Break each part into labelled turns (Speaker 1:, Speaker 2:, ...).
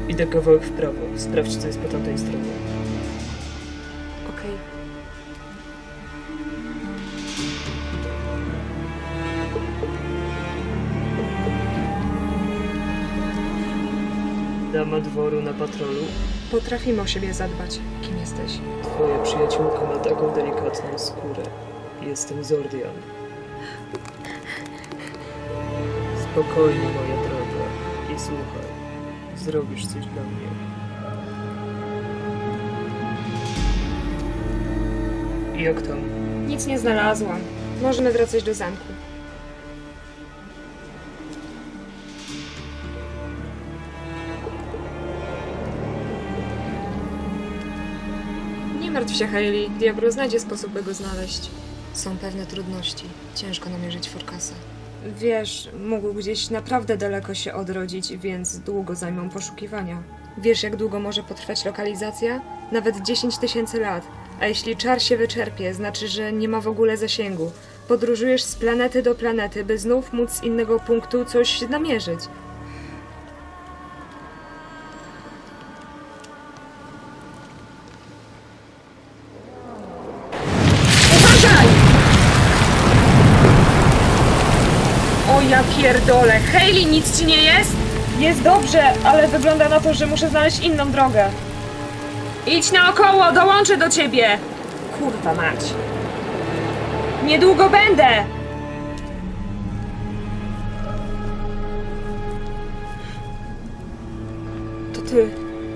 Speaker 1: Idę kawałek w prawo. Sprawdź, co jest po tamtej stronie.
Speaker 2: Okej.
Speaker 1: Dama dworu na patrolu.
Speaker 2: Potrafimy o siebie zadbać. Kim jesteś?
Speaker 1: Twoja przyjaciółka ma taką delikatną skórę. Jestem Zordian. Spokojnie, moja droga. I słuchaj. Zrobisz coś dla mnie. Jak tam?
Speaker 2: Nic nie znalazłam. Możemy wracać do zamku. Nie martw się, Hayley. Diablo znajdzie sposób, by go znaleźć. Są pewne trudności. Ciężko namierzyć Forkasa. Wiesz, mógł gdzieś naprawdę daleko się odrodzić, więc długo zajmą poszukiwania. Wiesz, jak długo może potrwać lokalizacja? Nawet 10 000 lat. A jeśli czar się wyczerpie, znaczy, że nie ma w ogóle zasięgu. Podróżujesz z planety do planety, by znów móc z innego punktu coś namierzyć. Uważaj! O ja pierdolę! Hayley, nic ci nie jest? Jest dobrze, ale wygląda na to, że muszę znaleźć inną drogę. Idź naokoło, dołączę do ciebie! Kurwa mać. Niedługo będę! To ty.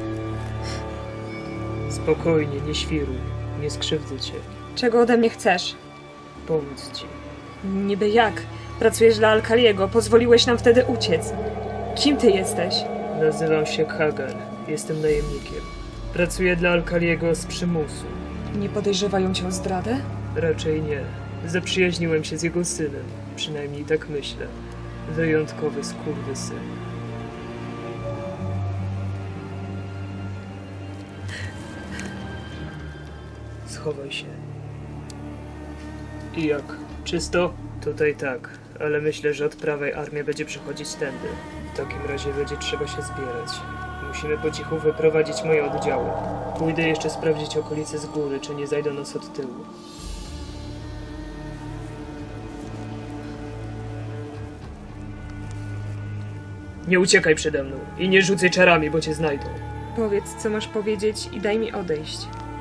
Speaker 1: Spokojnie, nie świruj. Nie skrzywdzę cię.
Speaker 2: Czego ode mnie chcesz?
Speaker 1: Pomóc ci.
Speaker 2: Niby jak? Pracujesz dla Alkaliego, pozwoliłeś nam wtedy uciec. Kim ty jesteś?
Speaker 1: Nazywam się Hagar. Jestem najemnikiem. Pracuję dla Alkaliego z przymusu.
Speaker 2: Nie podejrzewają cię o zdradę?
Speaker 1: Raczej nie. Zaprzyjaźniłem się z jego synem. Przynajmniej tak myślę. Wyjątkowy skurwysyn. Schowaj się. I jak? Czysto? Tutaj tak, ale myślę, że od prawej armia będzie przechodzić tędy. W takim razie będzie trzeba się zbierać. Musimy po cichu wyprowadzić moje oddziały. Pójdę jeszcze sprawdzić okolice z góry, czy nie zajdą nas od tyłu. Nie uciekaj przede mną i nie rzucaj czarami, bo cię znajdą.
Speaker 2: Powiedz, co masz powiedzieć i daj mi odejść.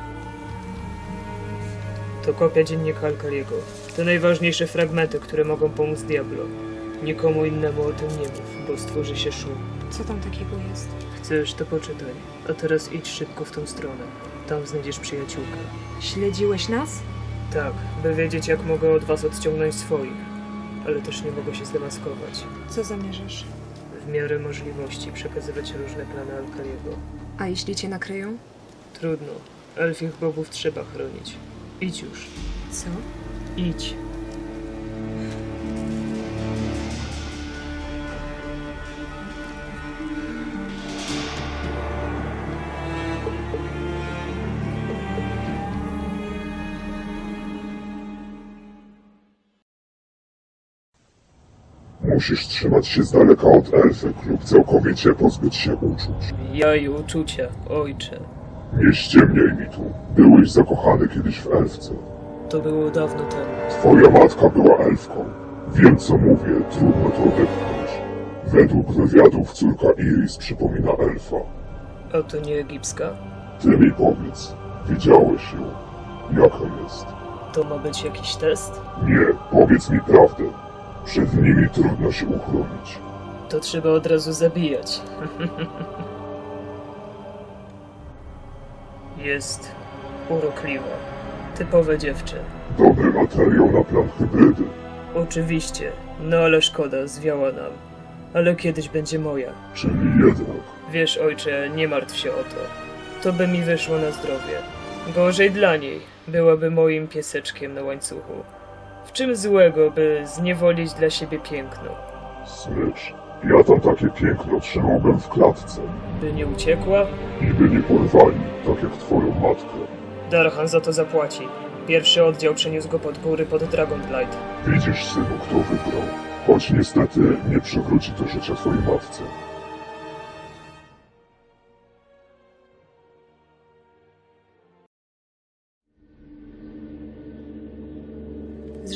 Speaker 1: To kopia dziennika Alkaliego. To najważniejsze fragmenty, które mogą pomóc Diablo. Nikomu innemu o tym nie mów, bo stworzy się szum.
Speaker 2: Co tam takiego jest?
Speaker 1: Chcesz, to poczytaj. A teraz idź szybko w tą stronę. Tam znajdziesz przyjaciółkę.
Speaker 2: Śledziłeś nas?
Speaker 1: Tak, by wiedzieć, jak mogę od was odciągnąć swoich. Ale też nie mogę się zdemaskować.
Speaker 2: Co zamierzasz?
Speaker 1: W miarę możliwości przekazywać różne plany Alkaliego.
Speaker 2: A jeśli cię nakryją?
Speaker 1: Trudno. Elfich bogów trzeba chronić. Idź już.
Speaker 2: Co?
Speaker 1: Idź.
Speaker 3: Musisz trzymać się z daleka od elfek lub całkowicie pozbyć się uczuć.
Speaker 1: Ja i uczucia, ojcze.
Speaker 3: Nie ściemniaj mi tu. Byłeś zakochany kiedyś w elfce.
Speaker 1: To było dawno temu.
Speaker 3: Twoja matka była elfką. Wiem, co mówię, trudno to odepchnąć. Według wywiadów córka Iris przypomina elfa.
Speaker 1: A to nie egipska?
Speaker 3: Ty mi powiedz, widziałeś ją. Jaka jest?
Speaker 1: To ma być jakiś test?
Speaker 3: Nie, powiedz mi prawdę. Przed nimi trudno się uchronić.
Speaker 1: To trzeba od razu zabijać. Jest urokliwa. Typowe dziewczę.
Speaker 3: Dobry materiał na plan hybrydy.
Speaker 1: Oczywiście, no ale szkoda, zwiała nam. Ale kiedyś będzie moja.
Speaker 3: Czyli jednak.
Speaker 1: Wiesz, ojcze, nie martw się o to. To by mi wyszło na zdrowie. Gorzej dla niej. Byłaby moim pieseczkiem na łańcuchu. W czym złego, by zniewolić dla siebie piękno?
Speaker 3: Smycz, ja tam takie piękno trzymałbym w klatce.
Speaker 1: By nie uciekła?
Speaker 3: I by nie porwali, tak jak twoją matkę.
Speaker 1: Darhan za to zapłaci. Pierwszy oddział przeniósł go pod góry pod Dragonblight.
Speaker 3: Widzisz, synu, kto wygrał. Choć niestety nie przywróci to życia twojej matce.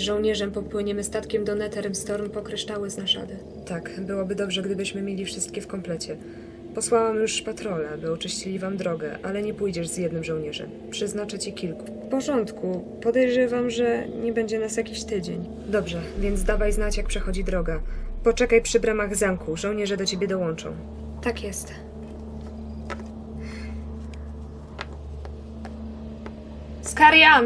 Speaker 2: żołnierzem popłyniemy statkiem do Netherem Storm po kryształy z Nashady. Tak, byłoby dobrze, gdybyśmy mieli wszystkie w komplecie. Posłałam już patrole, by oczyścili wam drogę, ale nie pójdziesz z jednym żołnierzem. Przeznaczę ci kilku. W porządku. Podejrzewam, że nie będzie nas jakiś tydzień. Dobrze, więc dawaj znać, jak przechodzi droga. Poczekaj przy bramach zamku. Żołnierze do ciebie dołączą. Tak jest. Skarian!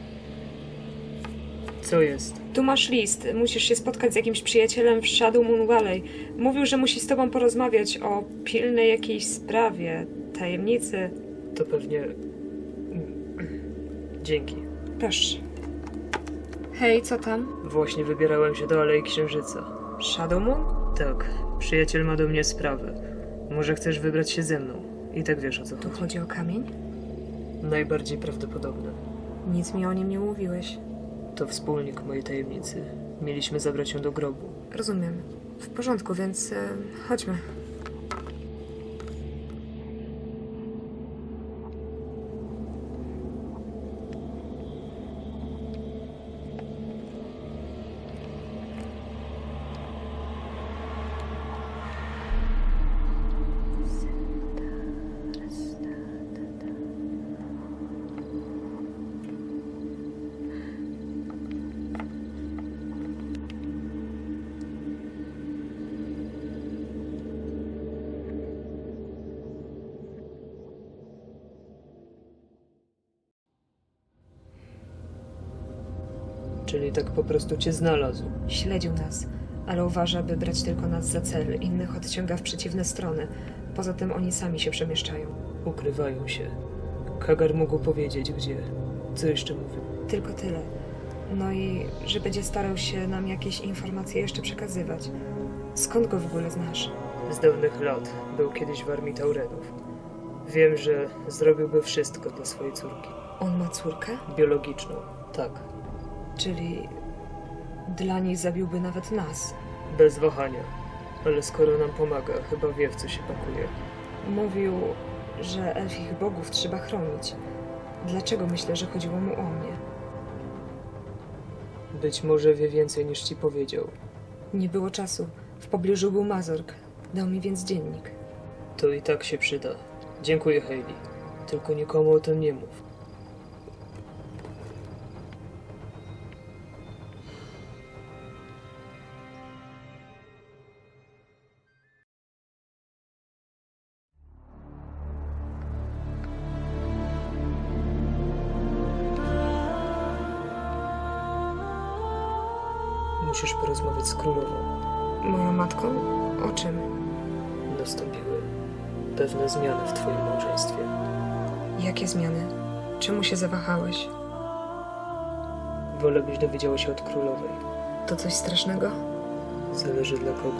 Speaker 1: Co jest?
Speaker 2: Tu masz list. Musisz się spotkać z jakimś przyjacielem w Shadow Moon Valley. Mówił, że musi z tobą porozmawiać o pilnej jakiejś sprawie, tajemnicy.
Speaker 1: To pewnie... Dzięki.
Speaker 2: Proszę. Hej, co tam?
Speaker 1: Właśnie wybierałem się do Alei Księżyca.
Speaker 2: Shadow Moon?
Speaker 1: Tak, przyjaciel ma do mnie sprawę. Może chcesz wybrać się ze mną? I tak wiesz, o co
Speaker 2: Tu
Speaker 1: chodzi.
Speaker 2: chodzi o kamień?
Speaker 1: Najbardziej prawdopodobne.
Speaker 2: Nic mi o nim nie mówiłeś.
Speaker 1: To wspólnik mojej tajemnicy. Mieliśmy zabrać ją do grobu.
Speaker 2: Rozumiem. W porządku, więc chodźmy.
Speaker 1: Czyli tak po prostu cię znalazł.
Speaker 2: Śledził nas, ale uważa, by brać tylko nas za cel. Innych odciąga w przeciwne strony. Poza tym oni sami się przemieszczają.
Speaker 1: Ukrywają się. Kagar mógł powiedzieć, gdzie. Co jeszcze mówił?
Speaker 2: Tylko tyle. No i że będzie starał się nam jakieś informacje jeszcze przekazywać. Skąd go w ogóle znasz?
Speaker 1: Z dawnych lat. Był kiedyś w armii Taurenów. Wiem, że zrobiłby wszystko dla swojej córki.
Speaker 2: On ma córkę?
Speaker 1: Biologiczną. Tak.
Speaker 2: Czyli dla niej zabiłby nawet nas.
Speaker 1: Bez wahania. Ale skoro nam pomaga, chyba wie, w co się pakuje.
Speaker 2: Mówił, że elfich bogów trzeba chronić. Dlaczego myślę, że chodziło mu o mnie?
Speaker 1: Być może wie więcej, niż ci powiedział.
Speaker 2: Nie było czasu. W pobliżu był Mazork. Dał mi więc dziennik.
Speaker 1: To i tak się przyda. Dziękuję, Hayley. Tylko nikomu o tym nie mów. Musisz porozmawiać z królową.
Speaker 2: Moją matką? O czym?
Speaker 1: Nastąpiły pewne zmiany w twoim małżeństwie.
Speaker 2: Jakie zmiany? Czemu się zawahałeś?
Speaker 1: Wolę, byś dowiedziała się od królowej.
Speaker 2: To coś strasznego?
Speaker 1: Zależy dla kogo.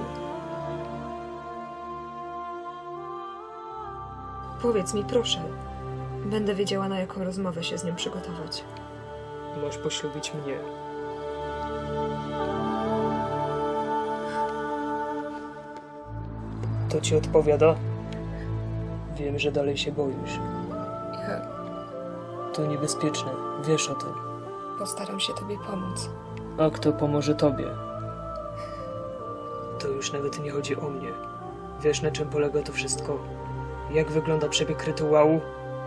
Speaker 2: Powiedz mi, proszę. Będę wiedziała, na jaką rozmowę się z nią przygotować.
Speaker 1: Masz poślubić mnie. To ci odpowiada? Wiem, że dalej się boisz.
Speaker 2: Ja
Speaker 1: To niebezpieczne. Wiesz o tym.
Speaker 2: postaram się tobie pomóc.
Speaker 1: A kto pomoże tobie? To już nawet nie chodzi o mnie. Wiesz, na czym polega to wszystko? Jak wygląda przebieg rytuału?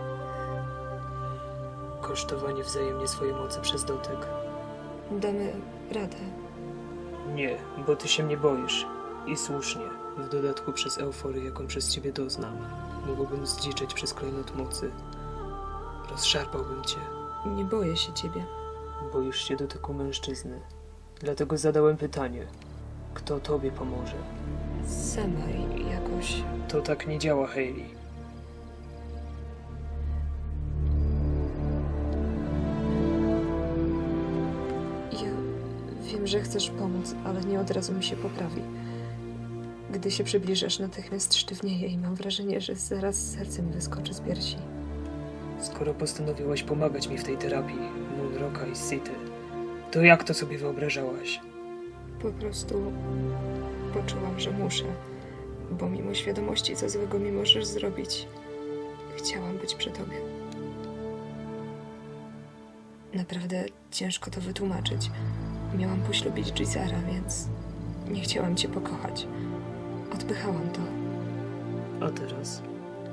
Speaker 1: Kosztowanie wzajemnie swojej mocy przez dotyk.
Speaker 2: Damy radę.
Speaker 1: Nie, bo ty się mnie boisz. I słusznie. W dodatku przez euforię, jaką przez ciebie doznam. Mógłbym zdziczeć przez klejnot mocy. Rozszarpałbym cię.
Speaker 2: Nie boję się ciebie.
Speaker 1: Boisz się dotyku mężczyzny. Dlatego zadałem pytanie. Kto tobie pomoże?
Speaker 2: Sama jakoś...
Speaker 1: To tak nie działa, Hayley.
Speaker 2: Ja wiem, że chcesz pomóc, ale nie od razu mi się poprawi. Gdy się przybliżasz, natychmiast sztywnieję i mam wrażenie, że zaraz serce mi wyskoczy z piersi.
Speaker 1: Skoro postanowiłaś pomagać mi w tej terapii, Moonrocka i City, to jak to sobie wyobrażałaś?
Speaker 2: Po prostu poczułam, że muszę, bo mimo świadomości, co złego mi możesz zrobić, chciałam być przy tobie. Naprawdę ciężko to wytłumaczyć. Miałam poślubić Gisera, więc nie chciałam cię pokochać. Odpychałam to.
Speaker 1: A teraz?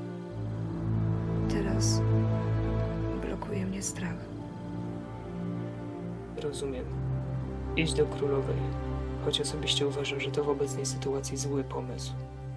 Speaker 2: Teraz blokuje mnie strach.
Speaker 1: Rozumiem. Idź do królowej. Choć osobiście uważam, że to w obecnej sytuacji zły pomysł.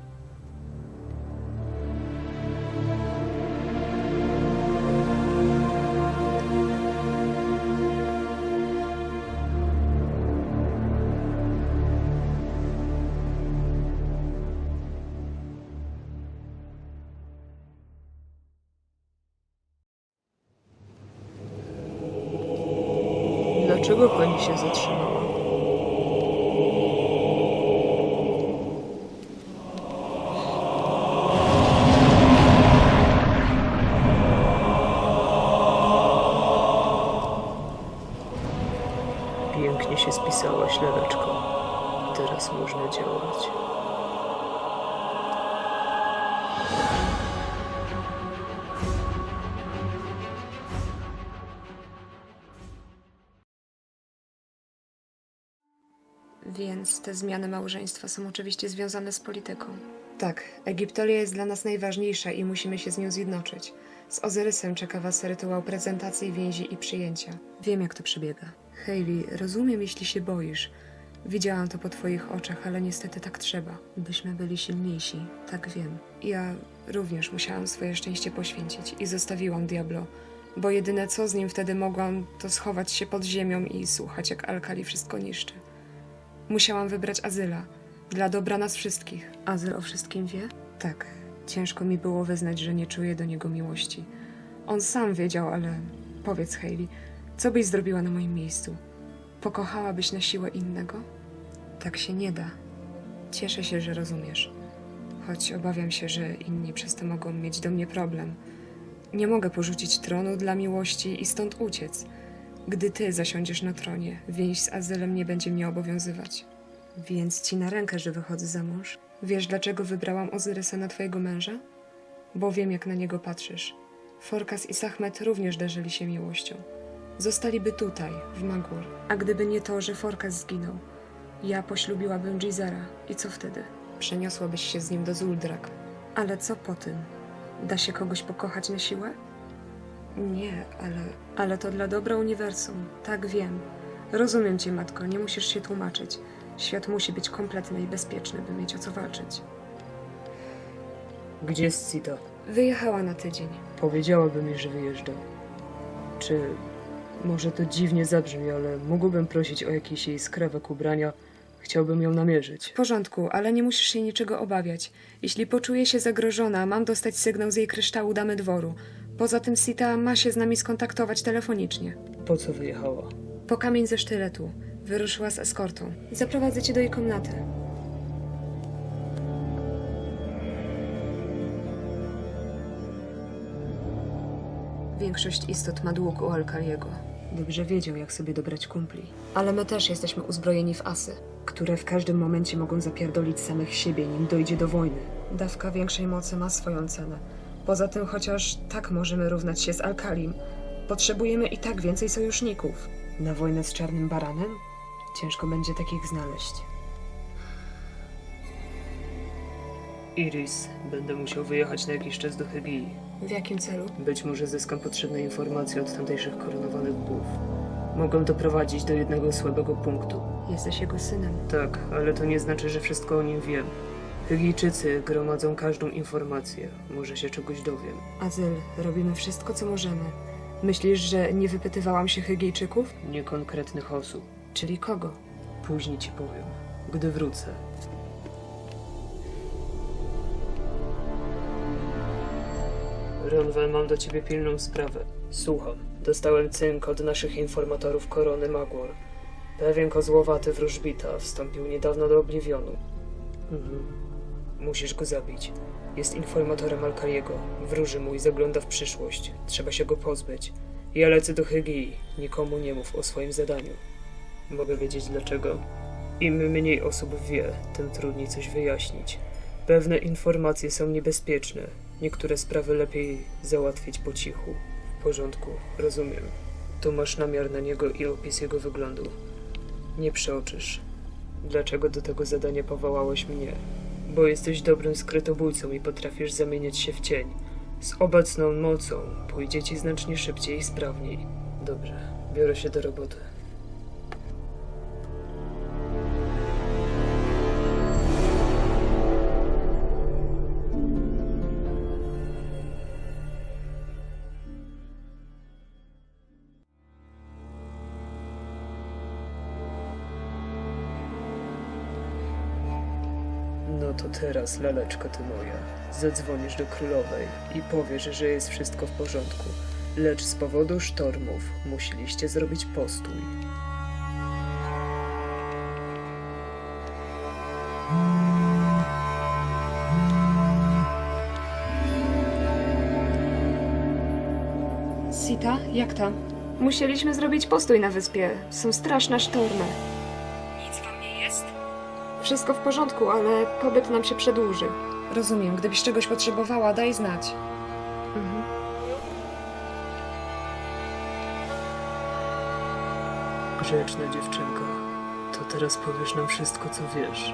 Speaker 1: Dlaczego pani się zatrzymała? Pięknie się spisałaś, leweczko. Teraz można działać.
Speaker 2: Więc te zmiany małżeństwa są oczywiście związane z polityką. Tak, Egiptolia jest dla nas najważniejsza i musimy się z nią zjednoczyć. Z Ozyrysem czeka was rytuał prezentacji, więzi i przyjęcia. Wiem, jak to przebiega. Hayley, rozumiem, jeśli się boisz. Widziałam to po twoich oczach, ale niestety tak trzeba. Byśmy byli silniejsi, tak wiem. Ja również musiałam swoje szczęście poświęcić i zostawiłam Diablo, bo jedyne co z nim wtedy mogłam, to schować się pod ziemią i słuchać, jak Al-Kali wszystko niszczy. Musiałam wybrać Azyla. Dla dobra nas wszystkich. Azyl o wszystkim wie? Tak. Ciężko mi było wyznać, że nie czuję do niego miłości. On sam wiedział, ale powiedz, Hayley, co byś zrobiła na moim miejscu? Pokochałabyś na siłę innego? Tak się nie da. Cieszę się, że rozumiesz. Choć obawiam się, że inni przez to mogą mieć do mnie problem. Nie mogę porzucić tronu dla miłości i stąd uciec. Gdy ty zasiądziesz na tronie, więź z Azylem nie będzie mnie obowiązywać. Więc ci na rękę, że wychodzę za mąż? Wiesz, dlaczego wybrałam Ozyrysa na twojego męża? Bo wiem, jak na niego patrzysz. Forkas i Sahmet również darzyli się miłością. Zostaliby tutaj, w Magur. A gdyby nie to, że Forkas zginął, ja poślubiłabym Gisera. I co wtedy? Przeniosłabyś się z nim do Zuldrak. Ale co po tym? Da się kogoś pokochać na siłę? Nie, ale to dla dobra uniwersum. Tak, wiem. Rozumiem cię, matko, nie musisz się tłumaczyć. Świat musi być kompletny i bezpieczny, by mieć o co walczyć.
Speaker 1: Gdzie jest Sita?
Speaker 2: Wyjechała na tydzień.
Speaker 1: Powiedziałaby mi, że wyjeżdża. Czy... Może to dziwnie zabrzmi, ale mógłbym prosić o jakiś jej skrawek ubrania. Chciałbym ją namierzyć.
Speaker 2: W porządku, ale nie musisz się niczego obawiać. Jeśli poczuję się zagrożona, mam dostać sygnał z jej kryształu damy dworu. Poza tym Sita ma się z nami skontaktować telefonicznie.
Speaker 1: Po co wyjechała?
Speaker 2: Po kamień ze sztyletu. Wyruszyła z eskortą. Zaprowadzę cię do jej komnaty. Większość istot ma dług u Al-Kaliego. Dobrze wiedział, jak sobie dobrać kumpli. Ale my też jesteśmy uzbrojeni w asy, które w każdym momencie mogą zapierdolić samych siebie, nim dojdzie do wojny. Dawka większej mocy ma swoją cenę. Poza tym, chociaż tak możemy równać się z Al-Kalim, potrzebujemy i tak więcej sojuszników. Na wojnę z Czarnym Baranem? Ciężko będzie takich znaleźć.
Speaker 1: Iris, będę musiał wyjechać na jakiś czas do Hygii.
Speaker 2: W jakim celu?
Speaker 1: Być może zyskam potrzebne informacje od tamtejszych koronowanych bogów. Mogą doprowadzić do jednego słabego punktu.
Speaker 2: Jesteś jego synem.
Speaker 1: Tak, ale to nie znaczy, że wszystko o nim wiem. Hygijczycy gromadzą każdą informację. Może się czegoś dowiem.
Speaker 2: Azyl, robimy wszystko, co możemy. Myślisz, że nie wypytywałam się Hygijczyków?
Speaker 1: Nie konkretnych osób.
Speaker 2: Czyli kogo?
Speaker 1: Później ci powiem, gdy wrócę. Ronwen, mam do ciebie pilną sprawę. Słucham. Dostałem cynk od naszych informatorów korony Magor. Pewien kozłowaty wróżbita wstąpił niedawno do Obliwionu. Musisz go zabić. Jest informatorem Al-Kaliego. Wróży mój, zagląda w przyszłość. Trzeba się go pozbyć. Ja lecę do Hygii. Nikomu nie mów o swoim zadaniu. Mogę wiedzieć dlaczego? Im mniej osób wie, tym trudniej coś wyjaśnić. Pewne informacje są niebezpieczne. Niektóre sprawy lepiej załatwić po cichu. W porządku, rozumiem. Tu masz namiar na niego i opis jego wyglądu. Nie przeoczysz. Dlaczego do tego zadania powołałeś mnie? Bo jesteś dobrym skrytobójcą i potrafisz zamieniać się w cień. Z obecną mocą pójdzie ci znacznie szybciej i sprawniej. Dobrze, biorę się do roboty. No to teraz, laleczko ty moja, zadzwonisz do królowej i powiesz, że jest wszystko w porządku, lecz z powodu sztormów musieliście zrobić postój.
Speaker 2: Sita, jak tam? Musieliśmy zrobić postój na wyspie. Są straszne sztormy. Nic wam nie jest? Wszystko w porządku, ale pobyt nam się przedłuży. Rozumiem. Gdybyś czegoś potrzebowała, daj znać. Mhm.
Speaker 1: Grzeczna dziewczynko, to teraz powiesz nam wszystko, co wiesz.